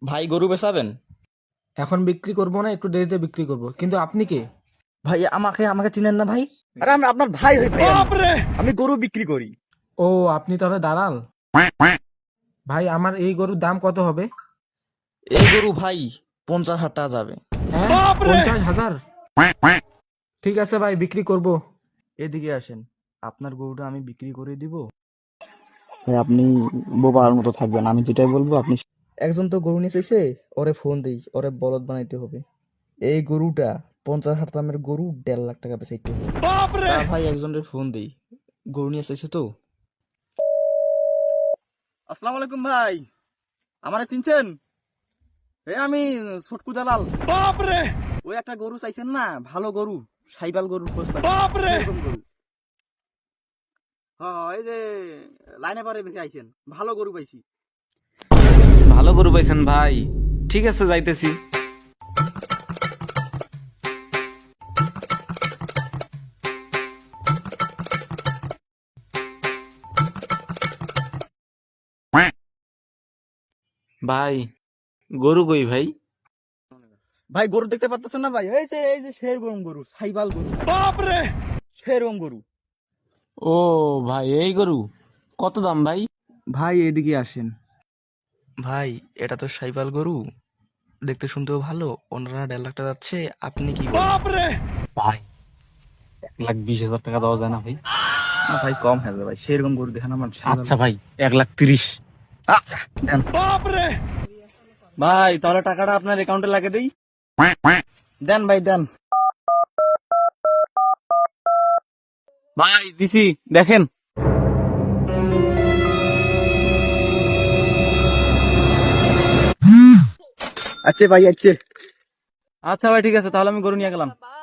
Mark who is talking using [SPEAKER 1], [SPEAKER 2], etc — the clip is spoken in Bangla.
[SPEAKER 1] ভাই গরু বেচাবেন?
[SPEAKER 2] এখন বিক্রি করব না, একটু দেরিতে বিক্রি করব। কিন্তু আপনি কে?
[SPEAKER 1] ভাই আমাকে আমাকে চিনেন না ভাই? আরে আমি আপনার ভাই হই ভাই, আমি গরু বিক্রি করি।
[SPEAKER 2] ও, আপনি তাহলে দালাল। ভাই, আমার এই গরুর দাম কত হবে?
[SPEAKER 1] এই গরু ভাই 50,000 টাকা যাবে।
[SPEAKER 2] হ্যাঁ, 50,000। ঠিক আছে ভাই, বিক্রি করব।
[SPEAKER 1] এদিকে আসেন, আপনার গরুটা আমি বিক্রি করে দিব। ভাই আপনি বোবার মতো থাকবেন, আমি যেটাই বলবো আপনি। একজন তো গরু নিয়ে চাইছে, ওরে ফোন দেই, ওরে বলদ বানাইতে হবে। এই গরুটা 50,000 দামের গরু 1.5 লাখ টাকা বেচাইতে হবে। তা ভাই একজনের ফোন দেই, গরু নিয়ে চাইছে তো। আসসালামু আলাইকুম ভাই, আমারে চিনছেন? আমি ছটকু দালাল। ওই একটা গরু চাইছেন না, ভালো গরু, সাইবাল গরুর খোঁজ পাচ্ছেন এরকম গরু। হ্যাঁ এই যে লাইনে পারে ভেঙে আইছেন, ভালো গরু পাইছি।
[SPEAKER 3] ভালো গরু পাইছেন ভাই, ঠিক আছে যাইতেছি। ভাই গরু কই ভাই?
[SPEAKER 1] ভাই গরু দেখতে পাচ্ছেন না ভাই? এই যে সেরকম গরু, সাইবাল গরু, বাপরে সেরকম গরু।
[SPEAKER 3] ও ভাই, এই গরু কত দাম ভাই?
[SPEAKER 1] ভাই এদিকে আসেন ভাই, এটা তো সাইবাল গরু, দেখতে শুনতেও ভালো, ওনারা 1.5 লাখ টাকা যাচ্ছে, আপনি কি বলেন?
[SPEAKER 3] ভাই 1,20,000 টাকা দেওয়া যায় না ভাই?
[SPEAKER 1] না ভাই কম হবে ভাই, সেরকম গরু দেখেন আমার সাইবাল।
[SPEAKER 3] আচ্ছা ভাই 1,30,000।
[SPEAKER 1] আচ্ছা দেন।
[SPEAKER 3] ভাই তাহলে টাকাটা আপনার অ্যাকাউন্টে লাগিয়ে দেই।
[SPEAKER 1] দেন ভাই দেন।
[SPEAKER 3] ভাই দিছি, দেখেন।
[SPEAKER 1] আচ্ছা ভাই আচ্ছা।
[SPEAKER 3] আচ্ছা ভাই ঠিক আছে, তাহলে আমি গরু নিয়ে গেলাম।